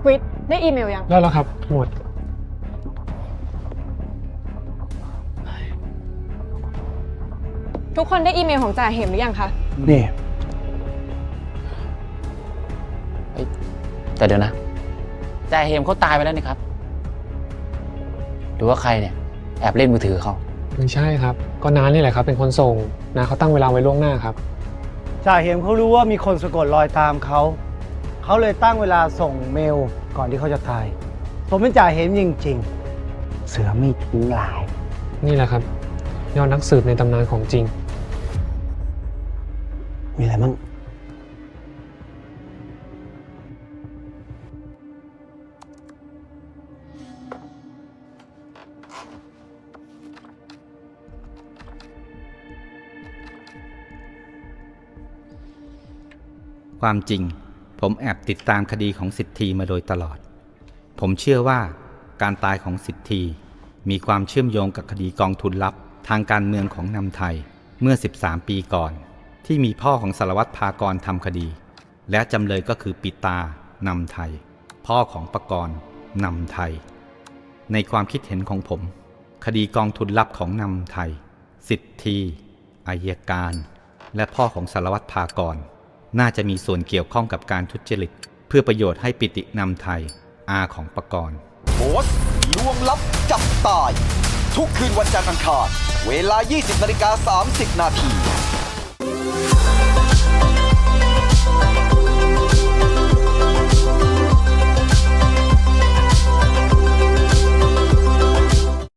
วิทย์ได้อีเมลยังได้แล้วครับหมวดทุกคนได้อีเมลของจ่าเหมหรือยังคะนี่แต่เดี๋ยวนะจ่าเหมเขาตายไปแล้วนี่ครับหรือว่าใครเนี่ยแอบเล่นมือถือเขาไม่ใช่ครับก็น้านี่แหละครับเป็นคนส่งน้าเขาตั้งเวลาไว้ล่วงหน้าครับจ่าเห็มเขารู้ว่ามีคนสะกดรอยตามเขาเลยตั้งเวลาส่งเมลก่อนที่เขาจะตายผมเป็นจ่าเห็มจริงๆเสือไม่ทิ้งลายนี่แหละครับยอดนักสืบในตำนานของจริงมีอะไรมั่งความจริงผมแอบติดตามคดีของสิทธีมาโดยตลอดผมเชื่อว่าการตายของสิทธีมีความเชื่อมโยงกับคดีกองทุนลับทางการเมืองของนำไทยเมื่อ13 ปีก่อนที่มีพ่อของสารวัตรภากรทำคดีและจำเลยก็คือปิตานำไทยพ่อของปกรณ์นำไทยในความคิดเห็นของผมคดีกองทุนลับของนำไทยสิทธีอัยการและพ่อของสารวัตรภากรน่าจะมีส่วนเกี่ยวข้องกับการทุจริตเพื่อประโยชน์ให้ปิตินำไทยอาของปกรณ์โพสต์ลวงลับจับตายทุกคืนวันจันทร์อังคารเวลา 20:30 นาที